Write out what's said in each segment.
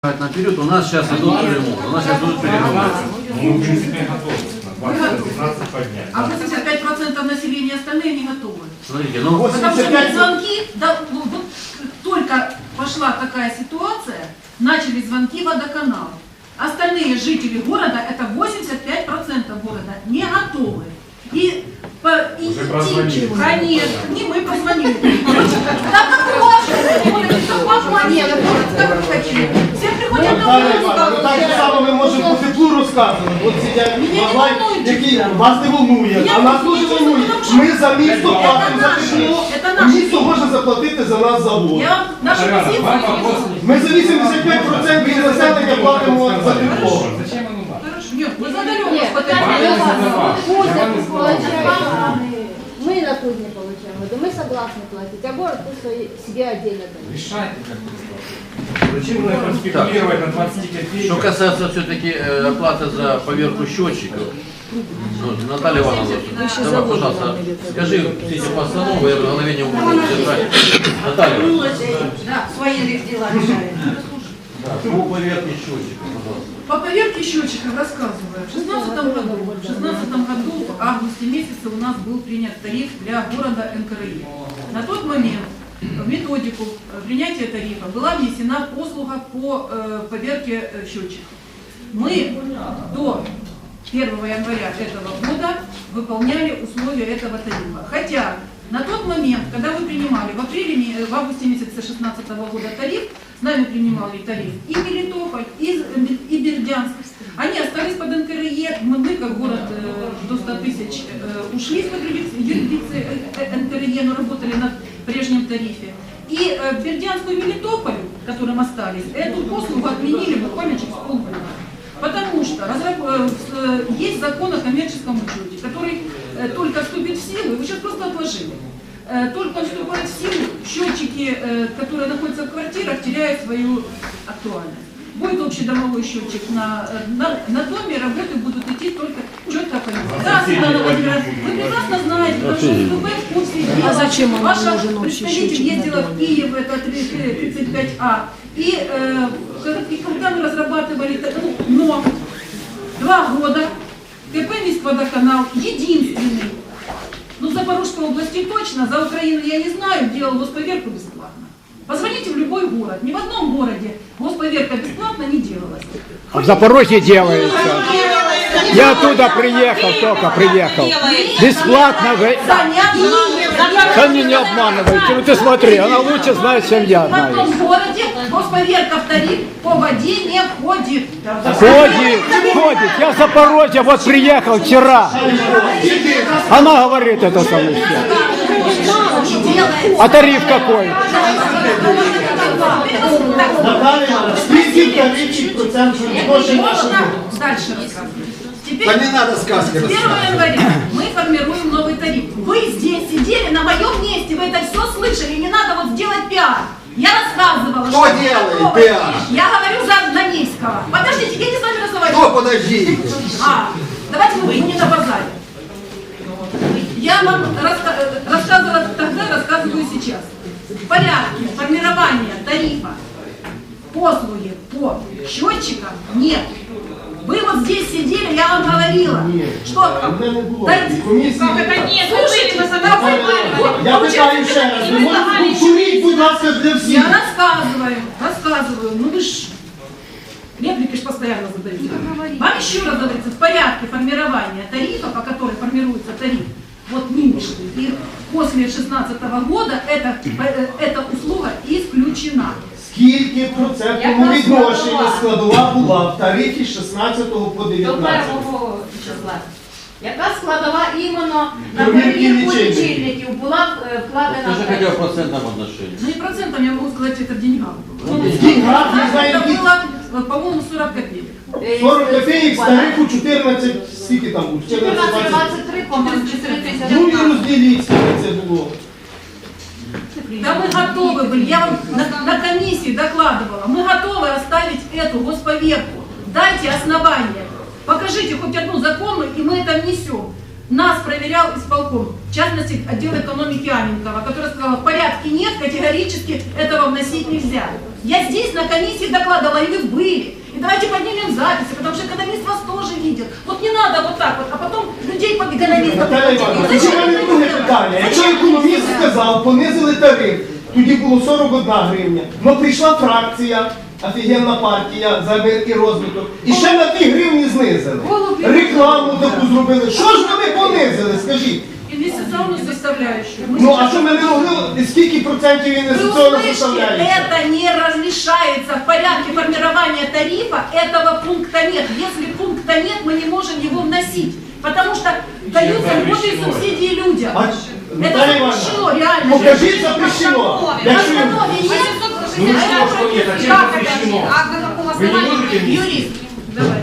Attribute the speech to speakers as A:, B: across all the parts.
A: Наперед, у нас сейчас идут перемоги. У нас сейчас идут перемоги.
B: Мы, в принципе, готовы. На 20-15 поднять.
C: А 85% населения остальные не готовы.
A: Смотрите, ну...
C: Потому что звонки, да, вот только пошла такая ситуация, начали звонки в водоканал. Остальные жители города, это 85% города, не готовы. И идти, конечно, не мы позвонили. Да как можно? Как вы хотите? Все приходят на улицу.
D: Так же само ми можемо по теплу розказувати. От сидять бабай, які вас не волнує, а нас дуже волнує. Ми за місто платимо за тепло, місто може заплатити за нас завод. Ми за 85% населення платимо за тепло.
B: Зачем оно надо?
C: Нет, мы задаем
E: Мы на тут не получаем, да мы согласны платить, а город пусть себе отдельно дает.
B: Решайте как-то. Зачем нам спекулировать на 20 копеек?
A: Что касается все-таки оплаты за поверку счетчиков, Наталья Ивановна, давай, пожалуйста, скажи все эти постановы, я в голове не могу держать. Наталья.
C: Да, свои дела решаем.
A: Да, по поверке счетчиков, пожалуйста.
C: По поверке счетчиков рассказываю. В 2016 году, в августе месяце у нас был принят тариф для города НКРЕ. На тот момент в методику принятия тарифа была внесена послуга по поверке счетчиков. Мы до 1 января этого года выполняли условия этого тарифа. Хотя на тот момент, когда мы принимали в августе месяце 2016 года тариф, с нами принимали тариф и Мелитополь, и Бердянск. Они остались под НКРЕ, мы как город до 100 тысяч ушли из-под юрисдикции НКРЕ, но работали на прежнем тарифе. И Бердянску и Мелитополю, которым остались, эту послугу отменили буквально через полгода. Потому что есть закон о коммерческом учете, который только вступит в силу, его сейчас просто отложили. Только вступает в силу, счетчики, которые находятся в квартирах, теряют свою актуальность. Будет общедомовой счетчик на доме, работы будут идти только четко по нему. Да, Светлана Владимировна, вы прекрасно знаете, потому что ВТБ в курсе дела.
F: А зачем он
C: Ваша
F: нужен общий
C: представитель
F: счетчик
C: ездила
F: на
C: в Киев, это 35А. И когда мы разрабатывали, но 2 года КП Міськводоканал единственный, ну в Запорожской области точно, за Украину я не знаю, делал госповерку бесплатно. Позвоните в любой город, ни в одном городе госповерка бесплатно не делалась.
G: А в Запорожье делается. Я оттуда приехал, только приехал. Бесплатно вы... Да не обманывайте, ну ты смотри, она лучше знает, чем я
C: В
G: знаю.
C: одном городе госповерка в тариф по воде не входит.
G: Ходит. Я в Запорожье вот приехал вчера. Она говорит это самое. А тариф какой?
D: Наталя, скільки тарифів процентів грошей нашого?
C: Дальше рассказываю. Теперь,
D: Да не надо сказки
C: с 1 января мы формируем новый тариф. Вы здесь сидели на моем месте, вы это все слышали, не надо вот сделать пиар. Я рассказывала,
D: Кто делает пиар?
C: Я говорю за Донецкого. Подождите, я не с вами разговариваю.
D: Кто, подожди?
C: Давайте мы не на базаре. Я вам рассказывала тогда, рассказываю сейчас. В порядке формирования тарифа послуги по счетчикам нет. Вы вот здесь сидели, я вам говорила, что...
D: Как
C: это нет? Слушайте, вы задавали.
D: Я питаю ще раз, ви можете повторіть, будь ласка, для всіх.
C: Я рассказываю. Ну вы ж реплики ж постоянно задаете. Вам еще раз говорится, в порядке формирования тарифа, по которой формируется тариф, вот нынешний, и после 2016 года эта услуга исключена.
D: Скільки процентному відношенні складова була в тарифі з 16 по
H: До
D: 19?
H: 1 числа. Яка складова іменно на перевірку лічильників була вкладена?
A: Скажи хотя бы в процентном отношении.
C: Ну не процентом, я могу сказать, это в деньгах.
D: В деньгах, не знаю,
C: Это
D: які...
C: было, по-моему, 40 копеек.
D: 40 копеек з тарифу 14, скільки там було?
H: 14-23, по-моєму, 4
D: Ну і
H: тисячі.
D: розділіть, скільки це було.
C: Да мы готовы были, я вам на комиссии докладывала, мы готовы оставить эту госповерку. Дайте основания, покажите хоть одну законную, и мы это внесем. Нас проверял исполком, в частности, отдел экономики Аненкова, который сказал, в порядке нет, категорически этого вносить нельзя. Я здесь на комиссии докладывала, и вы были. И давайте поднимем записи, потому что экономист вас тоже видел. Вот не надо вот так вот, а потом людей под економістом.
D: Наталя Івановна, тоді в мене друге питання. Якщо економіст сказав, понизили тариф, тоді було 41 гривня. Но прийшла фракція, офігенна партія за мир і розвиток, і ще на 2 гривні знизили. Рекламу таку зробили. Що ж вони понизили, скажіть?
C: Инвестиционную составляющую.
D: Ну а що ми не могли, скільки процентів
C: Вы
D: інвестиційного
C: услышите,
D: составляється?
C: это не разрешается в порядке формирования тарифа, этого пункта нет. Если пункта нет, мы не можем его вносить, потому что даются льготы и субсидии людям.
D: А,
C: Это
D: Наталя
C: запрещено,
D: Івановна,
C: реально.
D: покажіть запрещено. Якщо
C: Постанове нет.
B: Ну не то, что нет, а чем запрещено? Вы не можете внести?
C: Юрист, давай.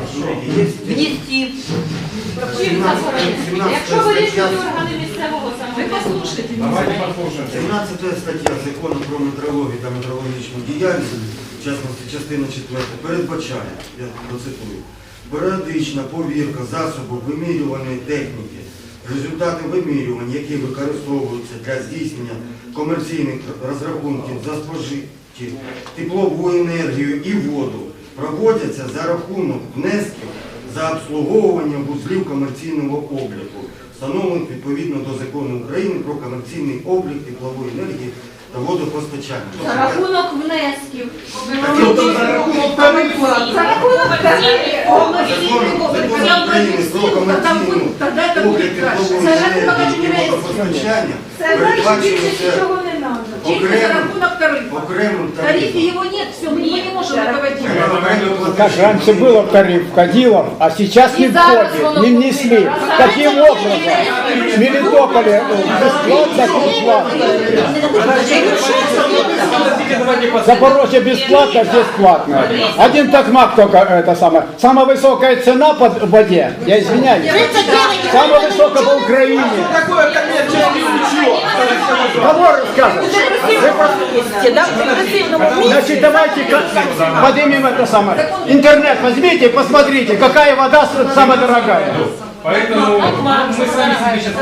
H: Внести. Чим заборонено? Якщо вирішують органи місцевого
C: Вы
H: самоврядування.
C: послушайте меня.
B: Давайте послушаем.
F: 17 стаття Закону про метрологію та метрологічну діяльність, в частності частина 4, передбачає, я процитую, періодична повірка засобу вимірюваної техніки, результати вимірювань, які використовуються для здійснення комерційних розрахунків за спожиті теплову енергію і воду, проводяться за рахунок внесків за обслуговування вузлів комерційного обліку, встановлених відповідно до Закону України про комерційний облік теплової енергії та водопостачання.
H: За рахунок внесків.
D: тобто за рахунок тарифу.
H: За рахунок тарифів.
F: Закон України про комерційну
C: Тогда это
F: облік
C: будет краще.
F: теплової енергії і водопостачання
H: Це значить,
F: передбачено
H: більше
F: це
H: нічого не треба.
C: Чисто за рахунок тарифа.
F: окремим
C: В тарифе
F: тарифом.
C: его нет, все, мы не можем руководить.
G: Как раньше было в тариф входило, а сейчас не входит, не внесли. Каким образом? В Мелитополе бесплатно, бесплатно. Запорожье бесплатно, здесь платно. Один токмак только это самое. Самая высокая цена по воде, я извиняюсь. Самая высокая по Украине.
D: Такое коммерческое учет.
G: Кого рассказывать? Значит, давайте поднимем это самое. Интернет возьмите и посмотрите, какая вода самая дорогая.
B: Поэтому мы сами себе сейчас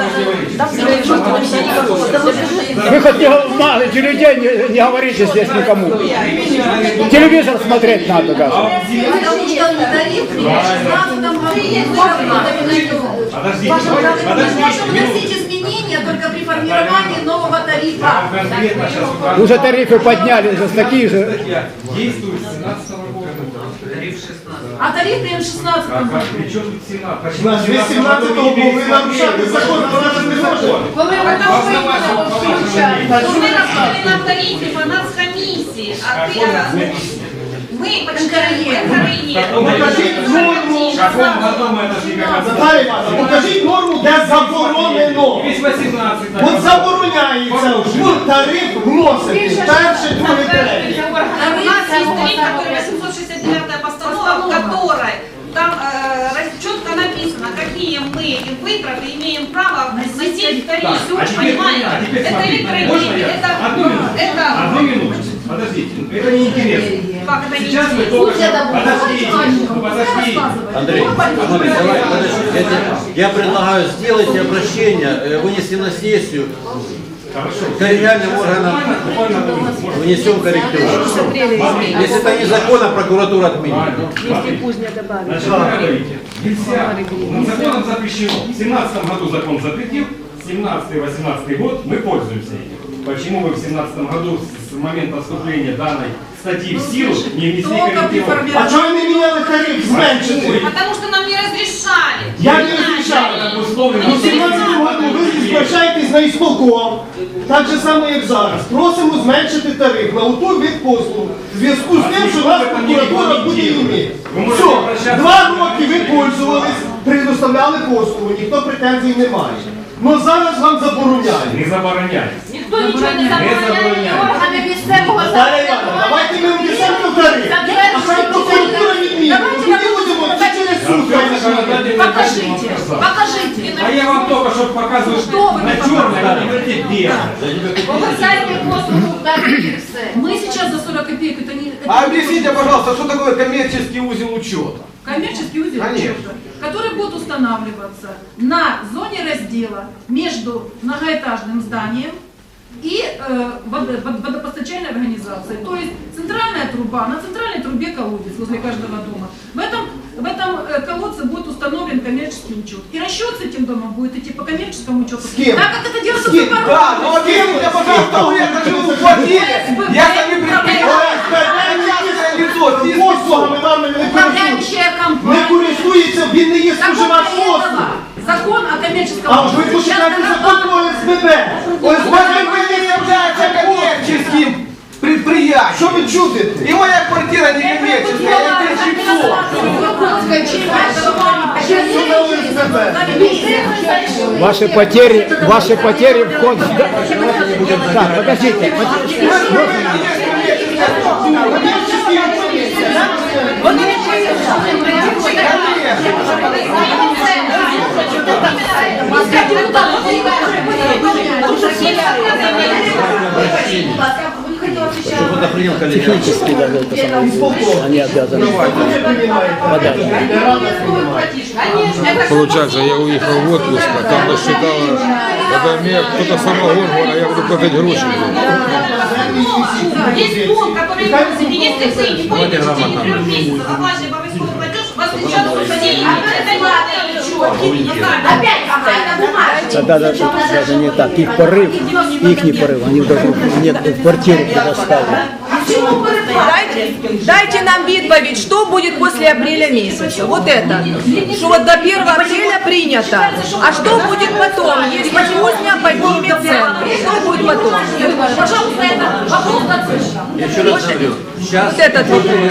B: можем
G: Вы хоть не знаете людей, не говорите здесь никому. Телевизор смотреть надо даже.
C: Потому что тариф при 16 году
B: Подождите,
C: мы можем
B: минуту.
C: вносить изменения только при формировании нового тарифа.
B: Конкретно сейчас
G: Уже тарифы подняли, уже такие же.
B: действует с 17 года.
C: А тариф при 16
B: А
C: году.
B: при чем тут 17?
D: Значить, ви 17-го були нарушати закон, а вона ж не може.
H: Коли ви там включаєте.
I: Ми розповіли на тарифі, по нас комісії, а ти ми починаємо в Україні.
D: Покажіть норму.
B: В каком году мы отошли как
D: Наталя Івановна, покажіть норму, де заборонено.
B: Весь 18.
D: От забороняється в тариф вносити перше, друге, третє.
I: У нас есть тариф, который 869 постанова, в которой там четко написано, какие мы вытраты имеем право вносить в тариф. Понимаете? Это электроэнергия,
B: Одну минуту. Подождите, это неинтересно.
I: как это не
B: Сейчас мы только что... Подождите, подождите.
A: Андрей, давай, подожди. Я предлагаю сделать обращение, вынести на сессию,
B: Хорошо.
A: коллегиальным органам
B: Буквально одну минуту. Можно?
A: внесем коррективы. Если это незаконно, прокуратура отменит.
B: Значит, вы говорите, нельзя. Законом запрещено. В 17 году закон запретил, 17-18 год мы пользуемся этим. Почему вы в 17 году с момента вступления данной статьи в силу не внесли
C: Только при
B: коррективы?
D: А
C: формировании.
D: чого ви не міняли тариф, зменшити?
I: Потому что нам не разрешали.
D: Як не розрішали?
B: Это условно.
D: У 17 году ви звертаєтесь на ісполком, так же само, як зараз. Просимо зменшити тариф на оту вид послуг. В зв'язку з тим, що вас прокуратура буде іметь. Все, 2 роки ви пользувались, предоставляли послугу, ніхто претензій не має. Но зараз вам забороняють.
B: Не забороняйте.
H: Ніхто нічого не забороняє, органи місцевого
D: Наталя Івановна, давайте ми внесемо тариф. А хай прокуратура відмінить. Тоді будемо через суд.
C: Покажите, покажите.
B: А я вам только что показываю,
C: Что вы
B: на
C: мне
B: черное, а не где.
H: Повертайте послугу і все.
C: Мы сейчас за 40 копеек, это не...
J: А объясните, пожалуйста, что такое коммерческий узел учета?
C: Коммерческий узел
J: Конечно.
C: учета, который будет устанавливаться на зоне раздела между многоэтажным зданием и водопостачальной организацией. То есть центральная труба, на центральной трубе колодец возле каждого дома. В этом колодце будет установлен коммерческий учет. И расчет с этим домом будет идти по коммерческому учету.
D: С кем?
C: Так как это делается
D: С кем?
C: по порогу.
J: Да, но объясните, пожалуйста, вы это же уплатили. Я сами предприниматель, лицо,
D: Послугами вам не користується.
C: Управляющая
D: Не
C: компания.
D: користується, він не є споживач послуг.
C: Закон о коммерческом
D: А ви
C: учете.
D: починаєте закон про ОСББ. ОСББ
J: вы не является коммерческим предприятием.
D: Що ви чудите?
J: И моя квартира не коммерческая, я здесь жильцо.
D: Що на ОСББ?
G: Ваши потери в ход... Так, подождите.
A: Чтобы это принял коллега.
G: Технически даже это самое. Они обязаны подать.
K: Получается, я уехал в отпуск, а там насчитало, это мне кто-то самогон говорит, а я буду платить гроши.
I: Есть пункт, который просит, если вы не
A: Давайте
I: будете в течение
A: грамотно
I: 3 месяцев оплачивать обовязковый платеж, вас сейчас посадили. Это не
H: Опять какая-то бумага.
G: Да, даже не так. Их порыв, они даже мне в квартиру предоставили.
L: Дайте нам відповідь, что будет после апреля месяца. Вот это. Что вот до 1 апреля принято. А что будет потом, если Кузня поднимет цены? Что будет потом?
C: Пожалуйста, это вопрос на цифру.
A: Я еще раз говорю, сейчас
L: Вот этот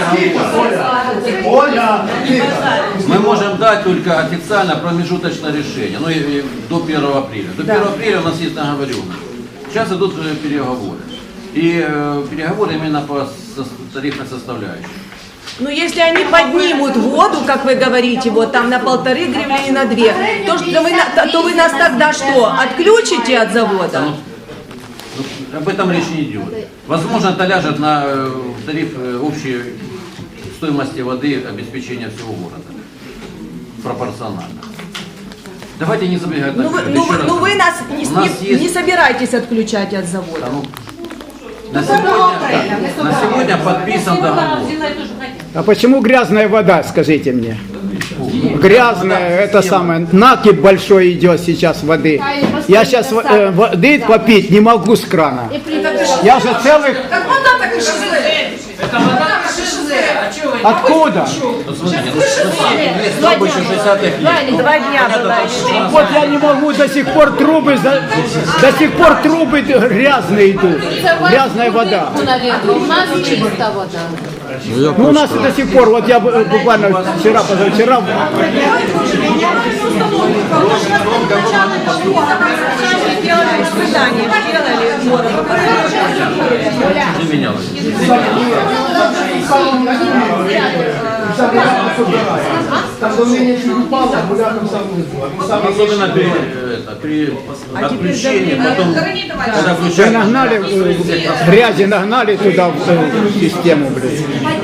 D: Оля,
A: мы можем дать только официально промежуточное решение, ну и до 1 апреля. До 1 апреля у нас есть договоренность. Сейчас идут переговоры. И переговоры именно по тарифной составляющей.
L: Ну, если они поднимут воду, как вы говорите, вот там на 1,5 гривны и на 2, то вы нас тогда что, отключите от завода?
A: Об этом речь не идет. Возможно, это ляжет на тариф общей стоимости воды обеспечения всего города. Пропорционально. Давайте не забегать наперед. Еще раз.
L: Вы нас
A: У нас есть-
L: не собираетесь отключать от завода.
A: Да, ну, на сегодня подписан договор.
G: А почему грязная вода, скажите мне? Грязная, это самое, накипь большой идет сейчас воды. Я сейчас воды попить не могу с крана. Я же целых...
C: Как вода, так и шизы. Это вода, так и шизы.
G: Откуда?
A: Ну, смотрите, есть трубы еще 60-х лет.
L: 2 дня была еще.
G: Вот я не могу до сих пор трубы грязные идут. Грязная вода.
E: У нас чиста вода.
G: Ну у нас и до сих пор, вот я буквально вчера, позавчера,
A: Не менялось.
D: Там давление чуть упало, гуляком сам вызвал.
A: Особенно при отключении, потом, когда
G: вы
A: включают...
G: нагнали, грязи нагнали туда в систему, блин.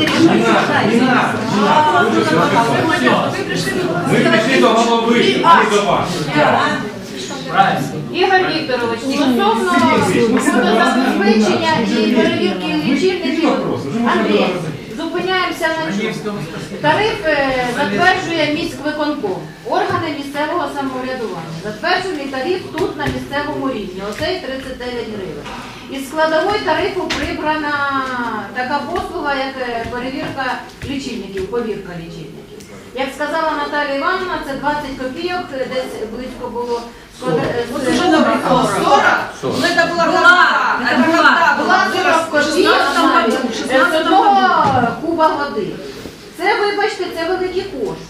B: Мы пришли до головы, не до вас.
E: Ігор Вікторович, стосовно водозабезпечення і перевірки лічильників, Андрій, зупиняємося на чому. Тариф затверджує міськвиконком, органи місцевого самоврядування. Затверджений тариф тут на місцевому рівні, оцей 39 гривень. Із складової тарифу прибрана така послуга, як перевірка лічильників, повірка лічильників. Як сказала Наталія Івановна, це 20 копійок, десь близько було.
I: Вот уже набрало 40. Ну это была
E: Була 40 копійок з одного куба води. Це, вибачте, це великі кошти.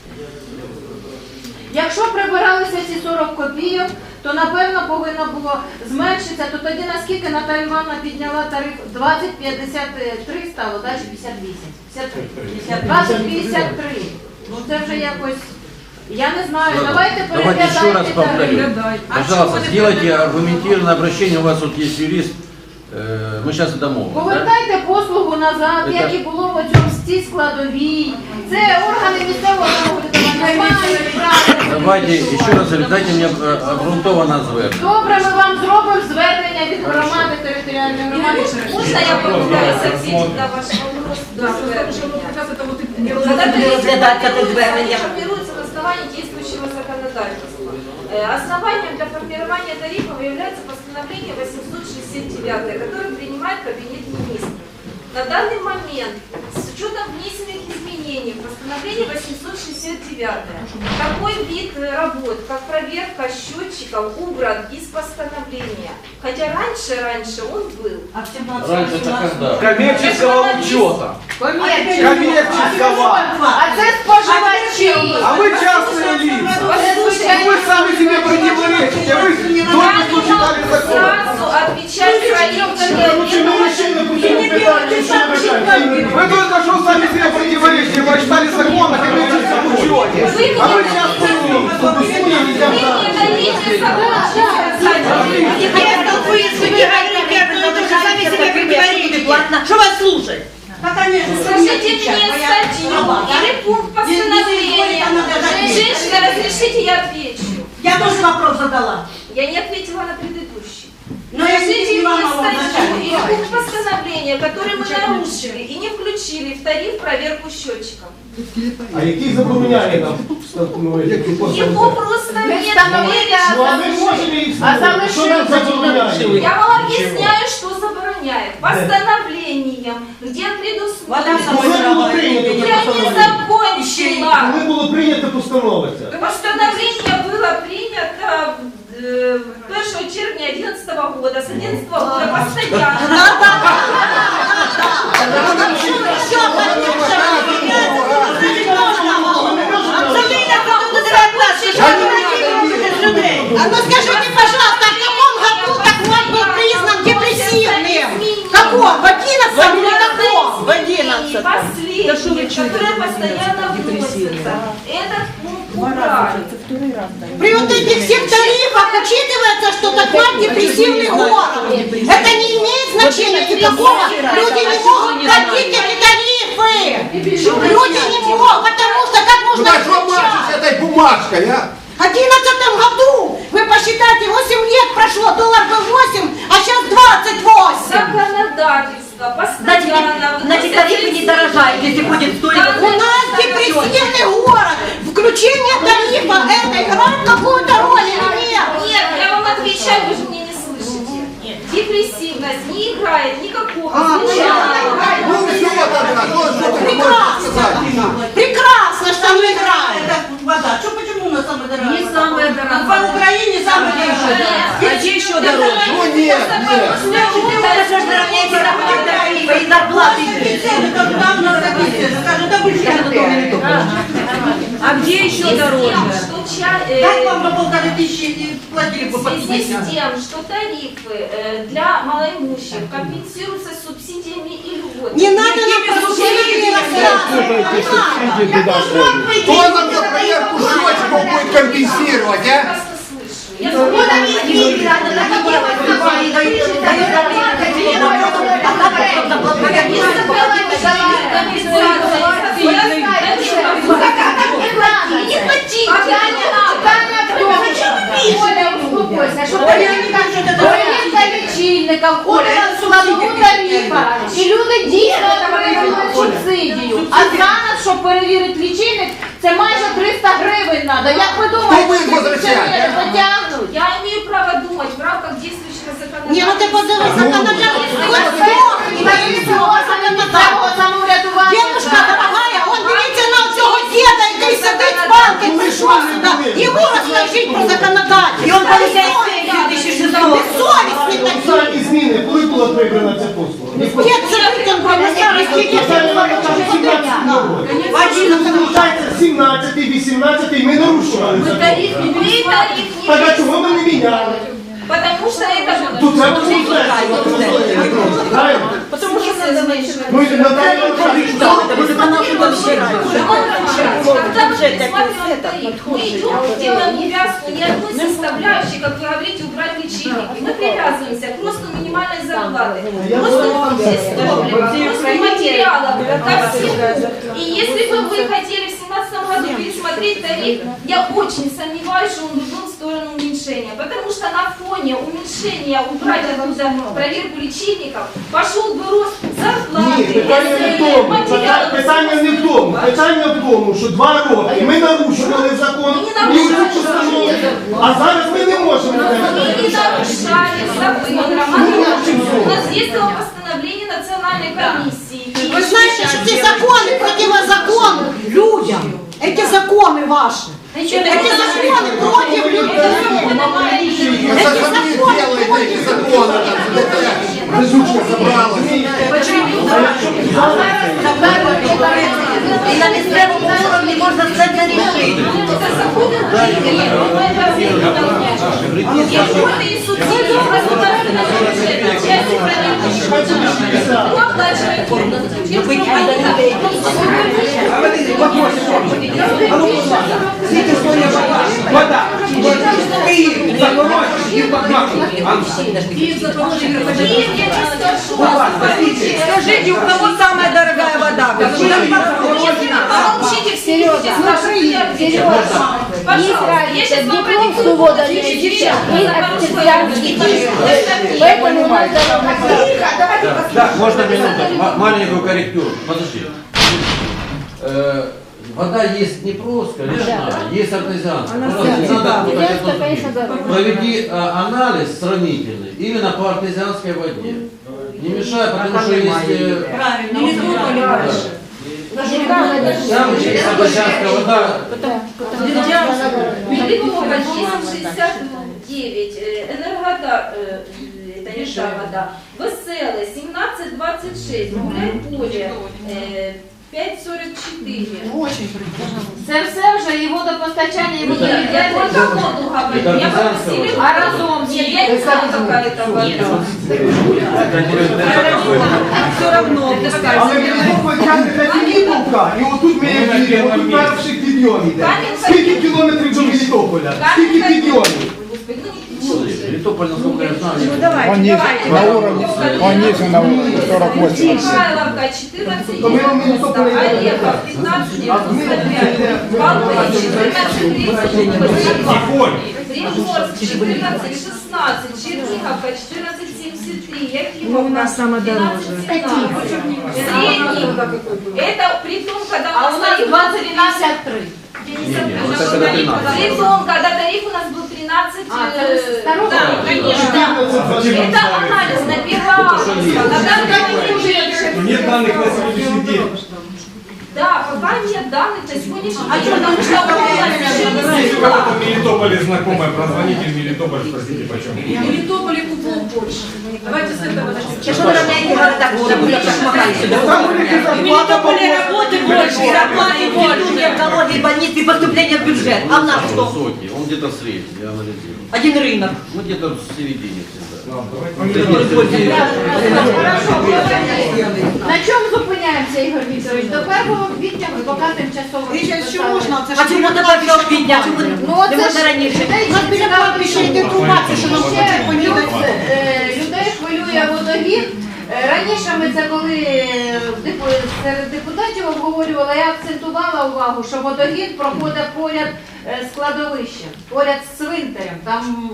E: Якщо прибиралися ці 40 копійок, то напевно повинно було зменшитися, то тоді наскільки Наталія Івановна підняла тариф 20,53 стало, далі 58. 20,53. Ну це вже якось, я не знаю, давайте
A: Давайте еще раз
E: переглядайте
A: повторю.
E: тариф.
A: Пожалуйста, сделайте аргументированное обращение. У вас вот есть юрист, ми зараз домовилися.
E: Повертайте послугу назад,
A: Это-
E: як і було в цьому стій складовій. Це органи місцевого самоврядування не мають права.
A: Давайте ще раз, дайте мені обґрунтоване звернення.
E: Добре, ми вам зробимо звернення від громади територіальної громади.
I: Можно я попытаюсь ответить на ваш вопрос?
C: Да, потому что вот как раз это вот и
I: Когда
H: розглядати це звернення.
I: формируется на основании действующего законодательства. Основанием для формирования тарифов является постановление 869, которое принимает Кабинет министров. На данный момент, с учетом внесенных изменений в постановление 869, такой вид работ, как проверка счетчиков, убран из постановления. Хотя раньше он был.
A: Раньше это когда?
J: Коммерческого учета. Коммерческого.
E: А це споживачі.
J: А вы частные лица. Вы сами себе противоречите. Вы только что читали закон.
I: Сразу отвечать своим
J: Вы только что сами себе противоречите. Вы читали закон о коммерческом учете. А вы частные лица.
H: Что вас слушать?
I: Скажите мне статью или пункт постановления. Женщина, разрешите, я отвечу.
H: Я тоже вопрос задала.
I: Я не ответила на предыдущий.
H: Но я
I: Скажите
H: не
I: мне
H: вам
I: статью или пункт постановления, который мы нарушили и не включили в тариф проверку счетчиков.
D: А який забороняє нам встановити?
I: Его просто нет.
D: Ну, а ми можемо їх встановити. Що нам забороняє?
I: Я вам объясняю, что забороняет. Постановлением, где предусмотрено.
D: Коли було прийнято це
I: Я не
D: постановлення?
I: закончила.
D: Коли було прийнято постанова ця?
I: Постановление было принято 1 червня 2011 года, с 2011 года постоянно.
H: А ну скажите, пожалуйста, в каком году такой был признан депрессивным? В каком? В 11 или каком? В 11.
I: Последнее, которое постоянно вносится. Этот пункт убрали.
H: При вот этих всех тарифах учитывается, что такой депрессивный город. Это не имеет значения никакого. Люди не могут платить эти тарифы. Люди не могут, потому что как можно...
J: этой бумажкой, а?
H: В 2011 году, вы посчитайте, 8 лет прошло, доллар был 8, а сейчас 28.
I: Законодательство постоянно.
H: Значит, тарифы не дорожают, если будет стоить. У нас депрессивный город. Включение тарифа, это играет какую-то роль или нет?
I: Нет, я вам отвечаю, вы же меня не слышите. Депрессивность не играет никакого значения.
J: Ну все тогда,
H: Прекрасно. Прекрасно, что не играет. Вода. Почему у нас самая дорогая?
L: Не самая дорогая.
H: В Украине самая дорогая.
L: А где еще дороже?
J: Ну нет, нет.
H: Это же дорогие тарифы и зарплаты. Там на скажем, да вы
L: А где еще дороже?
H: Как вам по 1500 платили по
I: В связи с
H: 50?
I: тем, что тарифы для малоимущих компенсируются субсидиями и льготами.
H: Не надо нам субсидии рассказывать.
J: Кто нам за проверку счетчиков будет компенсировать, а?
I: Я
E: лічильника, входить в складову тарифа, і люди дійсно отримують субсидію. А зараз, щоб перевірити лічильник, це майже 300 гривень треба. Як ви думаєте,
J: Хто ви возвращаєте?
E: потягнуть?
I: Я имею право думать в рамках действующего законодательства.
H: Не, ну ты подумай, Девушка дорогая, он дивіться на цього діда, який сидить з палки, прийшов сюди. Йому розкажіть про законодательство. І он поліцейський 2006 року. Безсовісний такий.
D: Останні зміни, коли була прибрана ця послуга?
H: Дід сидить, він поміняє, скільки
D: Залишається 17, 18, ми нарушували закон.
I: Тариф
D: Так а
I: не
D: чого ми не міняли?
I: потому что это
D: Тут це правильно?
I: потому что это
D: Ну і Наталія Анатолійовна,
I: когда
H: бюджет
I: Мы делаем увязку не одной составляющей, как вы говорите, убрать лечильники. Мы привязываемся к росту минимальной зарплаты, к росту топлива, к росту материалов, ко всему. И если бы вы хотели в 2017 году пересмотреть тариф, я очень сомневаюсь, что он бы был в сторону уменьшения. Потому что на фоне уменьшения убрать оттуда проверку лечильников, пошел бы рост зарплаты, материалов.
D: Питання не в тому. Питання в тому, що 2 роки ми нарушували закон, а зараз ми не можемо.
I: Мы не нарушали закон. У нас действовало постановление национальной комиссии.
H: Вы знаете, что эти законы противозаконны людям. Эти законы ваши. Эти законы против людей. Эти законы против
E: І на місцевому уровні можна це не рішити.
J: Вода. Киев, Запорожье, и Бахмут.
L: Скажите, у кого самая дорогая вода?
I: Помолчите все люди, скажите, пожалуйста, я сейчас вам продиктую
A: Да, можно минуту, маленькую корректуру. Подожди. Вода есть не просто лежная, есть артезианская. Проведи анализ сравнительный именно по артезианской воде. Не мешай, потому что есть... Там есть артезианская вода.
I: Мелитополь 1069, Энергодар, это не та вода, Веселый 1726, Гуляй-Поле 544.
E: Це все вже і водопостачання, і
I: Я только воду говорю, я попросила, а разом, нет, я не знаю, какая это вода.
L: Все равно.
D: Але Мелітополь тягне на Філіпівка, і отут ми як їдемо, отут перший підйом йде. Скільки кілометрів до Мелітополя? Скільки підйомів?
A: Мелитополь, насколько я знаю,
L: Ну давайте.
G: На уровне, он ниже на уровне 48.
I: Михайловка 1490, Орехов 1595, Волынь 1438, Приморск 1416, Черниговка 1473, Якимовка 1217. Средний, это при том, когда у нас тариф 20-53. Притом, когда тариф у нас был 13, да, конечно. Это анализ на 1 августа.
B: Нет данных на сегодняшний день.
I: Да, пока нет данных на сегодняшний день.
B: Если у кого-то в Мелитополе знакомая, прозвоните в Мелитополь, спросите почем.
C: В Мелитополе купол больше. Давайте с этого начнем.
H: Что вы равняете города, куда были так
J: В Мелитополе работы больше, зарплаты больше, экологии, больницы, поступления в бюджет. А у нас что?
A: высокий, он где-то средний, я анализирую.
J: Один рынок.
A: Ну где-то в середине всегда.
E: На чому зупиняємося, Ігор Вікторович? До 1 квітня ми поки тимчасово.
J: А чому тепер до квітня?
E: Ну оце ж людей
H: У нас біля кладбища йде труба, це що нам хочуть помітати.
E: людей хвилює водогін. Раніше ми це коли серед депутатів обговорювали, я акцентувала увагу, що водогін проходить поряд з кладовищем, поряд з цвинтарем. Там,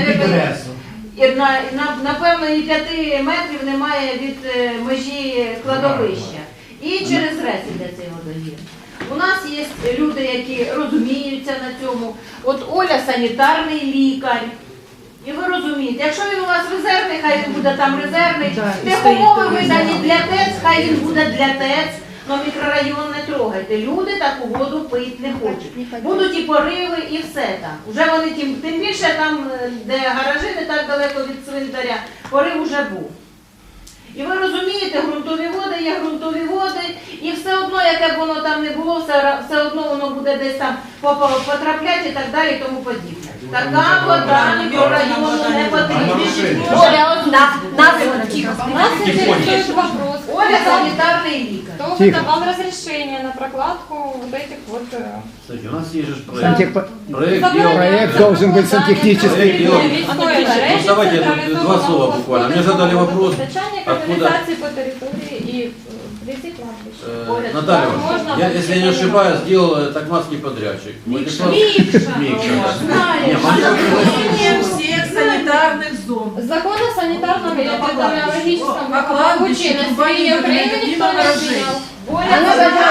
E: напевно, і 5 метрів немає від межі кладовища. І через рез іде цей водогін. У нас є люди, які розуміються на цьому. От Оля санітарний лікар. І ви розумієте, якщо він у вас резервний, хай він буде там резервний. Техумови видані для ТЕЦ, хай він буде для ТЕЦ. Но мікрорайон не трогайте. Люди таку воду пити не хочуть. Будуть і пориви, і все там. Уже вони тим більше там, де гаражі не так далеко від цвинтаря, порив уже був. І ви розумієте, ґрунтові води є ґрунтові води, і все одно, яке б воно там не було, все одно воно буде десь там потрапляти і так далі і тому подібне. Така вода мікрорайону не потрібна. Оля, нас
M: интересует вопрос.
E: Оля санітарний лікар.
M: Кто выдавал разрешение на прокладку вот этих вот...
A: Кстати, у нас есть же проект.
G: Проект должен быть сантехнический.
A: Ну, давайте два слова буквально. Мне задали вопрос, откуда...
M: Канализации по территории и вблизи кладбища.
A: Наталья, если я не ошибаюсь, сделал токмацкий подрядчик.
C: Микша.
A: Не,
C: Изменение всех санитарных зон.
M: Закон о санитарном и эпидемиологическом
C: По кладбищу, труба не
M: Украины
C: выглядит
M: никто
C: мимо
M: не
C: гаражей.
M: отменял.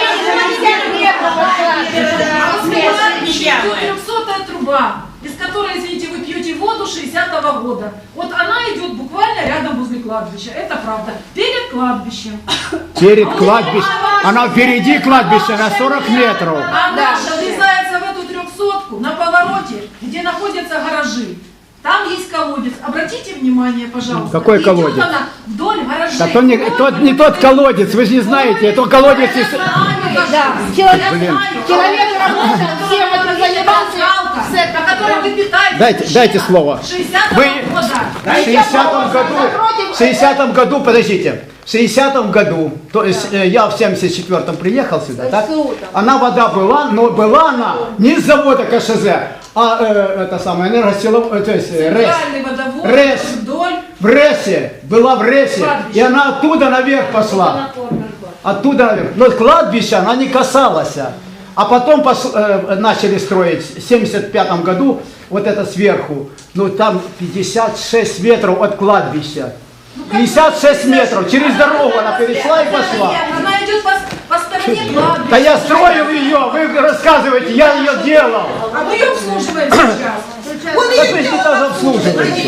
C: 300-я труба, из которой, извините, вы пьете воду 60-го года. Вот она идет буквально рядом возле кладбища. Это правда. Перед кладбищем.
G: Перед кладбищем. Она впереди кладбища на 40 метров.
C: Она врезается в эту 300-ку на повороте, где находятся гаражи. Там есть колодец. Обратите внимание, пожалуйста.
G: Какой
C: Идет
G: колодец?
C: она вдоль гаражей.
G: Да то не тот колодец, вы же не знаете, это колодец из...
E: Да, человек работал, всем это занимался.
C: На котором вы питаетесь.
G: Дайте слово.
C: 60-го
G: Вы
C: года.
G: в 60-м году, подождите, в 60-м году, то есть я в 74-м приехал сюда, так? Она вода была, но была она не с завода КШЗ, а это самое энергосиловое, то есть РЭС.
C: Центральный водовод
G: РЭС.
C: вдоль.
G: В РЭСе, была в РЭСе, и она оттуда наверх пошла. Оттуда наверх. Но кладбища она не касалась. А потом начали строить в 75 году, вот это сверху, ну там 56 метров от кладбища. 56 метров, через дорогу она перешла и пошла.
C: Она идет по стороне кладбища.
G: Да я строил ее, вы рассказываете, я ее делал.
C: А мы ее обслуживаем сейчас.
G: Да вы же тоже обслуживаете.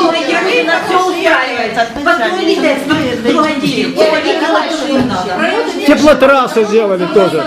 G: Теплотрассу сделали тоже.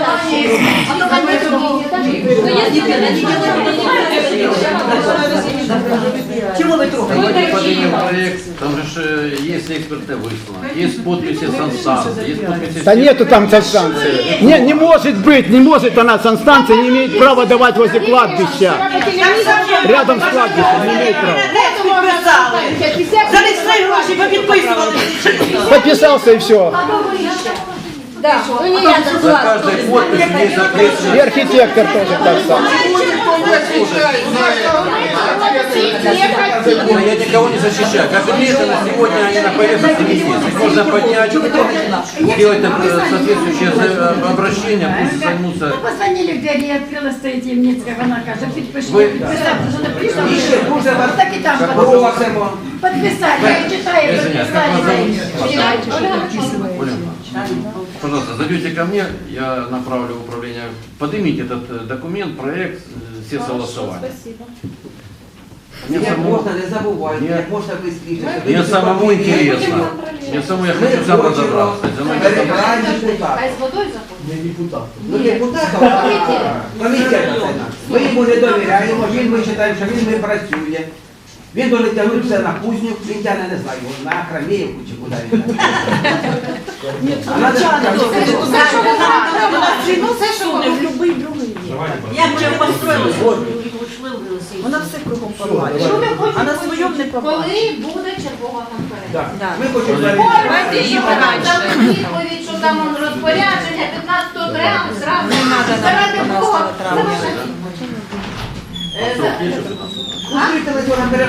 H: Чего вы
A: Давайте поднимем проект, там же есть эксперты высланы, есть подписи санстанции, есть подписи...
G: Да нету там санстанции. Не может быть, не может она санстанция, не имеет права давать возле кладбища. Рядом с кладбищем не имеет права.
H: За свои гроши попідписували.
G: Подписался и все.
E: Да, ну не я
A: За каждой подписью есть
G: И
A: ответственность.
G: архитектор тоже так само.
A: Я никого не защищаю. Как отмечено, сегодня они на поверхности висят. Их можно поднять, сделать соответствующее обращение, пусть займутся.
N: Позвонили в двері, я відкрила, стоїть Ємніцька, вона каже, підпишіть.
A: Ви-
N: Підписати, що написано. Так і там підписати. Я читаю,
A: Извиняюсь, как вас зовут? Оля, пожалуйста, зайдете ко мне, я направлю в управление. Поднимите этот документ, проект, все согласования.
M: Спасибо.
A: Мне самому,
J: не забувайте,
A: Ні.
J: як можна швидше.
A: мне самому интересно. Мне самому я хочу сам разобраться. За мной
J: Перебираємо депутата.
E: Хай з водою заходить.
D: Не депутат.
J: Ну, депутата, комітет. Ми йому не довіряємо, він, ми вважаємо, що він не працює. Він буде тягнути все на кузню, він тягне, не знаю, на Краміївку чи куди він. А надо
H: Все, що воно в любий другий. Як вже построїли? Вона все кругом порвала.
E: Що ви хочете?
H: А на своєму не побачила.
E: Коли буде чергова конференція?
J: Ми хочемо
E: Давайте її відповідь, що там он розпорядження 15 травня, зразу заради Бога.
J: Укрити